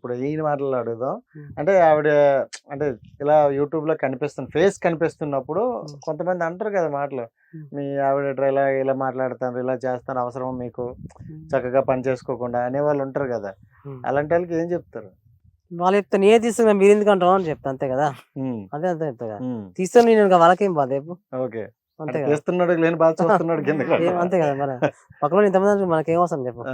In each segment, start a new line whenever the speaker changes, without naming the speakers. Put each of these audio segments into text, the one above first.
ఇప్పుడు ఈయన మాటలు అడుగుదాం. అంటే ఆవిడ అంటే ఇలా యూట్యూబ్ లో ఫేస్ కనిపిస్తున్నప్పుడు కొంతమంది అంటారు కదా మాటలు, మీ ఆవిడ ఇలా ఇలా మాట్లాడతాను, ఇలా చేస్తాను, అవసరం మీకు చక్కగా పని చేసుకోకుండా అనేవాళ్ళు ఉంటారు కదా, అలాంటి వాళ్ళకి ఏం చెప్తారు?
వాళ్ళు చెప్తా నేనే తీసుకున్నా మీరు ఎందుకు అంటావు అని చెప్తా, అంతే కదా. అదే అంతే చెప్తా కదా, తీస్తాను నేను ఇంకా వాళ్ళకేం బాధ రేపు.
ఓకే,
అంతే కదా,
చేస్తున్నాడు లేని బాధ చూస్తున్నాడు కింద
అంతే కదా. మరి పక్కన ఇంతమంది మనకేం అవసరం చెప్పు.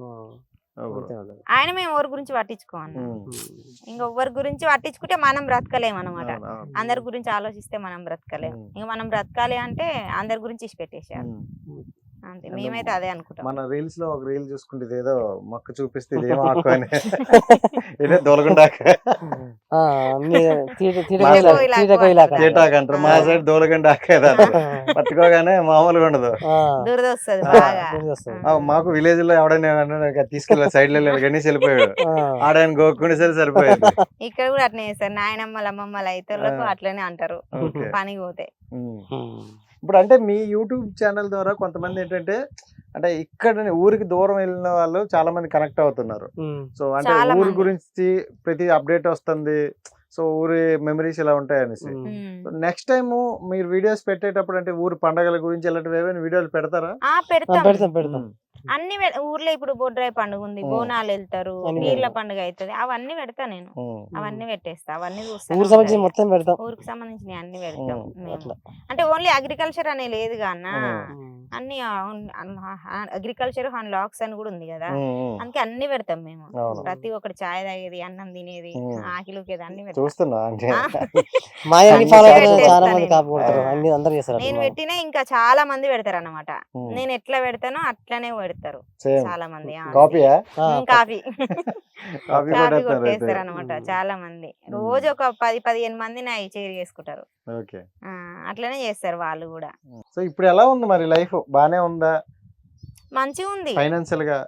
ఆయన మేము ఎవరి గురించి పట్టించుకోమన్నా, ఇంకొకరి గురించి పట్టించుకుంటే మనం బ్రతకలేము అనమాట. అందరి గురించి ఆలోచిస్తే మనం బ్రతకలేము. ఇంకా మనం బ్రతకాలి అంటే అందరి గురించి ఇచ్చి పెట్టేసేయాలి అంతే. మేమైతే అదే అనుకుంటాం.
మన రీల్స్ లో ఒక రీల్ చూసుకుంటే ఇదేదో మొక్క చూపిస్తే ఇదేమో ఆకు అని ఇదే దొలగండాక అంటారు, మా సైడ్ దోలగండాక పట్టుకోగానే మామూలుగా ఉండదు,
దురదొస్తుంది బాగా.
మాకు విలేజ్ లో ఎవడైనా తీసుకెళ్ళి సైడ్ లో గణేష్ వెళ్ళిపోయాడు, ఆడాయన గోక్కునే సరే సరిపోయేది.
ఇక్కడ కూడా అట్నే చేస్తారు, నాయనమ్మలు అమ్మమ్మలు అయితే అట్లనే అంటారు పనికి పోతే.
ఇప్పుడు అంటే మీ యూట్యూబ్ ఛానల్ ద్వారా కొంతమంది ఏంటంటే అంటే ఇక్కడ ఊరికి దూరం వెళ్ళిన వాళ్ళు చాలా మంది కనెక్ట్ అవుతున్నారు. సో అంటే ఊరి గురించి ప్రతి అప్డేట్ వస్తుంది, సో ఊరి మెమరీస్ ఇలా ఉంటాయి అనేసి. నెక్స్ట్ టైం మీరు వీడియోస్ పెట్టేటప్పుడు అంటే ఊరి పండుగల గురించి ఇలాంటివి ఏమైనా వీడియోలు పెడతారా?
పెడతాం.
అన్ని ఊర్లో ఇప్పుడు బొడ్రాయి పండుగ ఉంది, బోనాలు వెళ్తారు, నీళ్ళ పండుగ అవుతుంది, అవన్నీ పెడతా నేను. అవన్నీ పెట్టేస్తా, అవన్నీ చూస్తాను. ఊరికి సంబంధించిన అన్ని పెడతాం. అంటే ఓన్లీ అగ్రికల్చర్ అనే లేదు అన్న, అన్ని అగ్రికల్చర్ లాక్స్ అని కూడా ఉంది కదా, అందుకే అన్ని పెడతాం మేము. ప్రతి ఒక్కటి చాయ్ తాగేది, అన్నం తినేది, ఆకిలుకేది అన్ని నేను పెట్టినా ఇంకా చాలా మంది పెడతారు అన్నమాట. నేను ఎట్లా పెడతానో అట్లనే పెడతారు చాలా మంది. కాఫీ కొట్టేస్తారు అనమాట చాలా మంది. రోజు ఒక 10-15 మంది నా చేరి చేసుకుంటారు, అట్లనే చేస్తారు వాళ్ళు కూడా.
సో ఇప్పుడు ఎలా ఉంది మరి లైఫ్? బానే ఉందా?
మంచిగా ఉంది.
ఫైనాన్షియల్ గా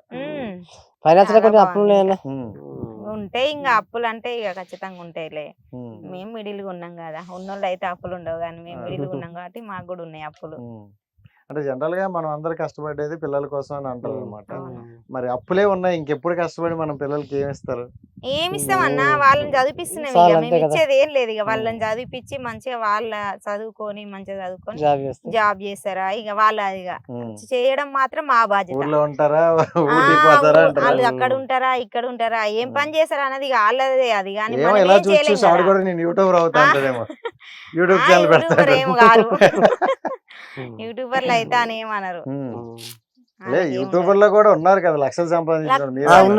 ఉంటాయి ఇంకా అప్పులు అంటే ఇక ఖచ్చితంగా ఉంటాయిలే. మేము మిడిల్ గా ఉన్నాం కదా, ఉన్నోళ్ళు అయితే అప్పులు ఉండవు, కానీ మేము మిడిల్ గా ఉన్నాం కాబట్టి మాకు కూడా ఉన్నాయి అప్పులు.
అంటే జనరల్ గా మనం అందరు కష్టపడేది పిల్లల కోసం అని అంటారు అనమాట. మరి అప్పులే ఉన్నాయి, ఇంకెప్పుడు కష్టపడి మనం పిల్లలకి ఏమి ఇస్తారు?
ఏమి ఇస్తామన్నా, వాళ్ళని చదివిస్తున్నాం, ఇక మేము ఇచ్చేది ఏం లేదు. ఇక వాళ్ళని చదివిపించి మంచిగా వాళ్ళ చదువుకొని మంచిగా చదువుకొని జాబ్ చేస్తారా, ఇక వాళ్ళు ఇక చేయడం మాత్రం మా బాధ్యత. వాళ్ళు అక్కడ ఉంటారా ఇక్కడ ఉంటారా, ఏం పని చేస్తారా అన్నది ఇక వాళ్ళదే. అది కానీ యూట్యూబర్ ఏం కాదు, యూట్యూబర్లు అయితే అని ఏమన్నారు.
యూట్యూబర్ లో కూడా ఉన్నారు కదా లక్షలు సంపాదించడం.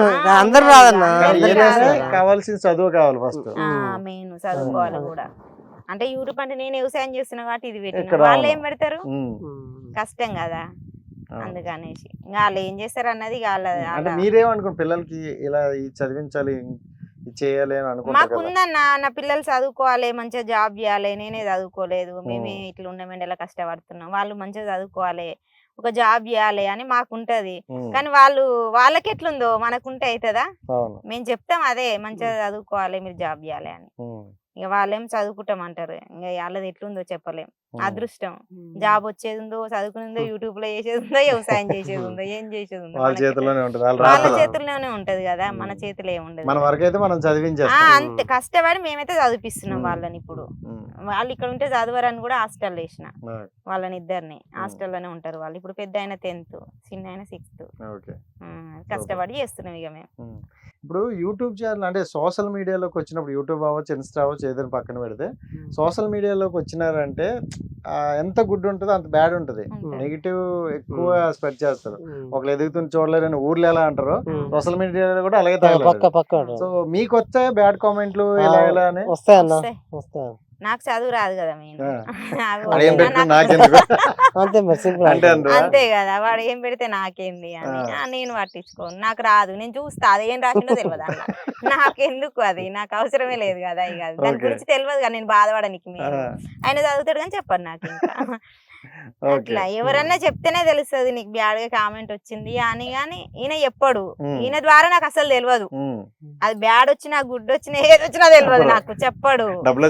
కావాల్సిన చదువు కావాలి ఫస్ట్,
మెయిన్ చదువుకోవాలి కూడా. అంటే యూట్యూబ్ అంటే నేను వ్యవసాయం చేస్తున్నా కాబట్టి ఇది పెట్టిన, వాళ్ళు ఏం పెడతారు, కష్టం కదా, అందుకనేసి ఇంకా వాళ్ళు ఏం చేస్తారు అన్నది.
మీరేమనుకో పిల్లలకి ఇలా చదివించాలి చేయాలి అని అనుకుంటా.
మాకుందన్న నా పిల్లలు చదువుకోవాలి, మంచిగా జాబ్ చేయాలి. నేనే చదువుకోలేదు, మేమే ఇట్లా ఉన్నామండి, ఇలా కష్టపడుతున్నాం. వాళ్ళు మంచిగా చదువుకోవాలి, ఒక జాబ్ చేయాలి అని మాకుంటది. కానీ వాళ్ళకి ఎట్లుందో మనకుంటే అవుతుందా? మేము చెప్తాం అదే, మంచిగా చదువుకోవాలి, మీరు జాబ్ చేయాలి అని. ఇక వాళ్ళేం చదువుకుంటాం అంటారు, ఇంకా వాళ్ళది ఎట్లుందో చెప్పలేం. అదృష్టం, జాబ్ వచ్చేది ఉందో, చదువుకునేదో, యూట్యూబ్ లో చేసేది ఉందో, వ్యవసాయం చేసేది ఉందో, ఏం చేసేది ఉందో వాళ్ళ చేతుల్లోనే ఉంటది కదా, మన చేతిలో ఏముండదు. అంతే కష్టపడి మేమైతే చదివిపిస్తున్నాం వాళ్ళని. ఇప్పుడు వాళ్ళు ఇక్కడ ఉంటే చదవరని కూడా హాస్టల్ వేసిన వాళ్ళని, ఇద్దరిని హాస్టల్లోనే ఉంటారు వాళ్ళు. ఇప్పుడు పెద్ద అయిన 10th, చిన్న అయిన 6th. కష్టపడి చేస్తున్నాం ఇక మేము.
ఇప్పుడు యూట్యూబ్ ఛానల్ అంటే సోషల్ మీడియాలోకి వచ్చినప్పుడు, యూట్యూబ్ అవ్వచ్చు, ఇన్స్టా అవ్వచ్చు, ఏదైనా పక్కన పెడితే, సోషల్ మీడియాలోకి వచ్చినారంటే ఎంత గుడ్ ఉంటుందో అంత బ్యాడ్ ఉంటుంది. నెగిటివ్ ఎక్కువ స్ప్రెడ్ చేస్తారు. ఒకళ్ళు ఎదుగుతుంది చూడలేరని ఊర్లో ఎలా అంటారు, సోషల్ మీడియాలో కూడా అలాగే తగలరు. సో మీకు వచ్చాయి బ్యాడ్ కామెంట్లు ఇలా ఇలా అని?
నాకు చదువు రాదు కదా, అంతే కదా, వాడు ఏం పెడితే నాకేంది అని నేను పట్టించుకోను. నాకు రాదు, నేను చూస్తా అదేం రాసిందో తెలియదు అన్న, నాకెందుకు, అది నాకు అవసరమే లేదు కదా. ఇక దాని గురించి తెలియదు కదా, నేను బాధపడడానికి. మీరు ఆయన చదువుతాడు కానీ చెప్పండి నాకు. ఇంకా అట్లా ఎవరన్నా చెప్తేనే తెలుస్తుంది నీకు బ్యాడ్ గా కామెంట్ వచ్చింది అని. కానీ ఈయన చెప్పడు, ఈయన ద్వారా నాకు అసలు తెలియదు. అది బ్యాడ్ వచ్చినా గుడ్ వచ్చినా ఏది వచ్చినా తెలియదు నాకు, చెప్పడు. డబ్బులు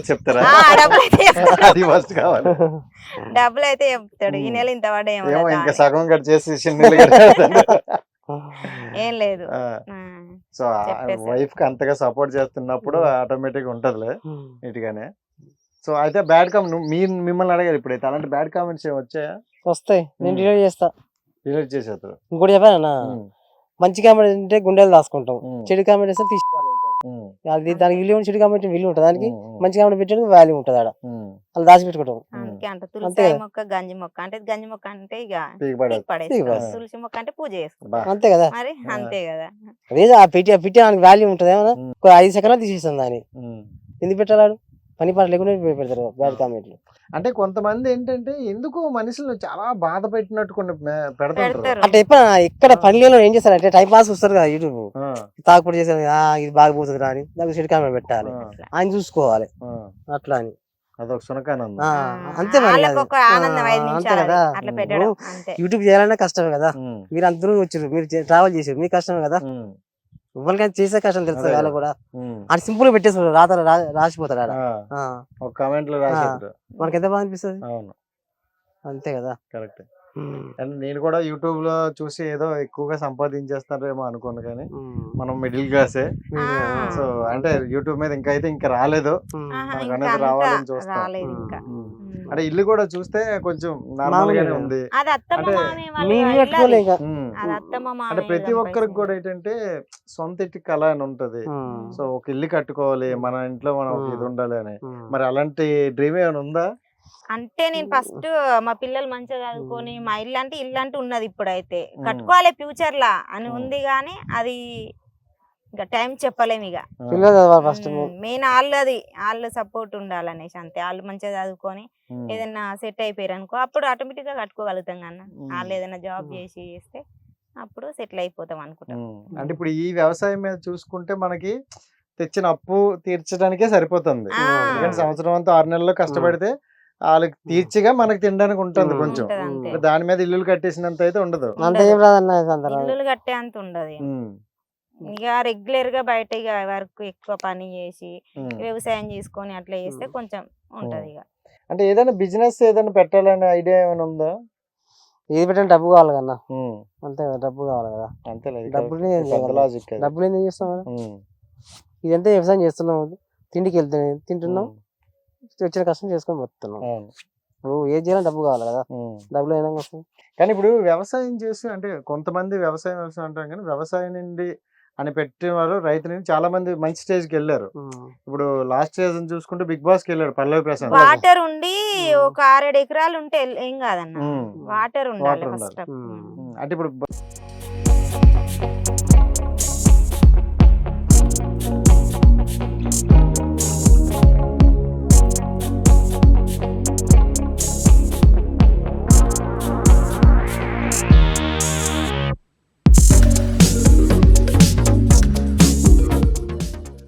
అయితే చెప్తాడు, ఈ నెల ఇంత పడే ఏం లేదు.
సో
చెప్పేశారు.
వైఫ్ కి అంతగా సపోర్ట్ చేస్తున్నప్పుడు ఆటోమేటిక్ ఉంటదిలే
ఉమ్.
నీట్గానే. సో అయితే బ్యాడ్ కామెంట్ మిమ్మల్ని అడగారు ఇప్పుడైతే అలాంటి బ్యాడ్ కామెంట్స్ ఏమి వచ్చాయా?
వస్తాయి, నేను డిలీట్ చేస్తా.
డిలీట్ చేసేస్తారు.
ఇంకోటి చెప్పానన్నా, మంచి కామెంట్ అంటే గుండెలు దాచుకుంటాం, చెడు కామెంట్ వేస్తే తీసుకోవాలి. అది దానికి విలువ, చెడు కామెంట్ విలువ ఉంటుంది, దానికి మంచి కామెంట్ పెట్టడానికి వాల్యూ ఉంటుంది ఆడ, అలా దాచిపెట్టుకుంటాం.
అందుకే అంట తులసి మొక్క గంజి మొక్క అంటే, గంజి మొక్క అంటే ఇక పడేస్తాం, తులసి మొక్క అంటే పూజ చేసుకుంటాం,
అంతే కదా.
మరి అంతే కదా.
అదే ఆ పెట్టి దానికి వాల్యూ ఉంటుంది ఏమన్నా, ఒక 5 సెకండ్లు తీసేస్తాం దాన్ని, ఎందుకు పెట్టాడు, పని పాట లేకుండా పెడతారు బ్యాడ్ కామెంట్లు.
అంటే కొంతమంది ఏంటంటే ఎందుకు మనుషులు చాలా బాధ పెట్టినట్టు కొన్ని పెడతారు.
అంటే ఇక్కడ పనిలో ఏం చేస్తారంటే టైం పాస్ వస్తారు కదా యూట్యూబ్, తాగుపడి చేస్తారు, ఇది బాగా పోతుంది రా అని దానికి చెడు కామెంట్ పెట్టాలి, ఆయన చూసుకోవాలి అట్లా అని,
అదొక సునకానందం.
అంతే మరి,
వాళ్ళకి ఒక ఆనందం 5
అంతే
నిమిషాలు
కదా.
అట్లా పెట్టడం అంతే.
యూట్యూబ్ చేయాలన్నా కష్టమే కదా, మీరు అంత దూరం వచ్చారు, మీరు ట్రావెల్ చేసారు, మీకు కష్టమే కదా. ఎవరికైనా చేసే కష్టం తెలుసు వాళ్ళు కూడా, అని సింపుల్ గా పెట్టేస్తారు, రాసిపోతాడు ఆడ,
ఒక కామెంట్ లో రాసేస్తారు,
మనకి ఎంత బాగా అనిపిస్తుంది.
అవును
అంతే కదా,
కరెక్ట్. అండ్ నేను కూడా యూట్యూబ్ లో చూసి ఏదో ఎక్కువగా సంపాదించేస్తారేమో అనుకోను, కానీ మనం మిడిల్ క్లాసే. సో అంటే యూట్యూబ్ మీద ఇంకా రాలేదు, మనకు అనేది రావాలని చూస్తాం.
రాలేదు ఇంకా.
అంటే ఇల్లు కూడా చూస్తే కొంచెం నార్మల్ గానే ఉంది.
అది అత్తమ్మ
అంటే
మామయ్య వాళ్ళ
మీరు
ఇల్లు
కట్టుకోలే
అది.
ఇంకా.
అది అత్తమ్మ
అంటే
మామయ్య
ప్రతి ఒక్కరికి
సంపాదించింది.
కూడా ఏంటంటే సొంత ఇంటి కళ అని ఉంటది. సో ఒక ఇల్లు కట్టుకోవాలి, మన ఇంట్లో మనం ఒక ఇది ఉండాలి అని. మరి అలాంటి డ్రీమ్ ఏమైనా ఉందా?
అంటే నేను ఫస్ట్ మా పిల్లలు మంచిగా చదువుకొని మా ఇల్లు అంటే ఉన్నది, ఇప్పుడైతే కట్టుకోవాలి ఫ్యూచర్ లా అని ఉంది, కానీ అది ఇంకా టైం చెప్పలేము. ఇక
ఫస్ట్
మెయిన్ వాళ్ళ సపోర్ట్ ఉండాలనేసి అంతే. వాళ్ళు మంచిగా చదువుకొని ఏదైనా సెట్ అయిపోయారు అనుకో, అప్పుడు ఆటోమేటిక్ గా కట్టుకోగలుగుతాం కన్నా. వాళ్ళు ఏదైనా జాబ్ చేస్తే అప్పుడు సెటిల్ అయిపోతాం అనుకుంటాం.
అంటే ఇప్పుడు ఈ వ్యవసాయం మీద చూసుకుంటే మనకి తెచ్చిన అప్పు తీర్చడానికే సరిపోతుంది. ఎందుకంటే సంవత్సరం అంతా 6 నెలల్లో కష్టపడితే వాళ్ళకి తీర్చిగా మనకి తినడానికి ఉంటుంది కొంచెం.
ఉంటది అంతే.
దాని మీద ఇల్లులు కట్టేసినంత అయితే ఉండదు.
ఇల్లులు కట్టే అంత ఉండదు. ఇక రెగ్యులర్ గా బయట ఇక వర్క్ ఎక్కువ పని చేసి వ్యవసాయం చేసుకొని అట్లా చేస్తే కొంచెం ఉంటది. ఇక
అంటే ఏదైనా బిజినెస్ ఏదైనా పెట్టాలనే ఐడియా ఏమైనా ఉందా?
ఏది పెట్టిన డబ్బు కావాలి కన్నా, అంతే కదా, డబ్బు కావాలి కదా.
అంతే,
డబ్బులు
డబ్బులు
ఏం చేస్తాం, ఇదంతా వ్యవసాయం చేస్తున్నాం, తిండికి తింటున్నాం, వచ్చిన కష్టం చేసుకొని పోతున్నాం. ఇప్పుడు ఏది చేయాలి డబ్బు కావాలి కదా, డబ్బులు అయినా వస్తుంది.
కానీ ఇప్పుడు వ్యవసాయం చేసి అంటే కొంతమంది వ్యవసాయం అంటాం, కానీ వ్యవసాయం నుండి అని పెట్టిన వాళ్ళు రైతు నుంచి చాలా మంది మంచి స్టేజ్ కి వెళ్ళారు. ఇప్పుడు లాస్ట్ సీజన్ చూసుకుంటే బిగ్ బాస్ కి వెళ్ళాడు పల్లవి ప్రశాంత్.
వాటర్ ఉండి ఒక 6-7 ఎకరాలు ఉంటే ఏం కాదన్న, వాటర్ ఉండాలి ఫస్ట్.
అంటే ఇప్పుడు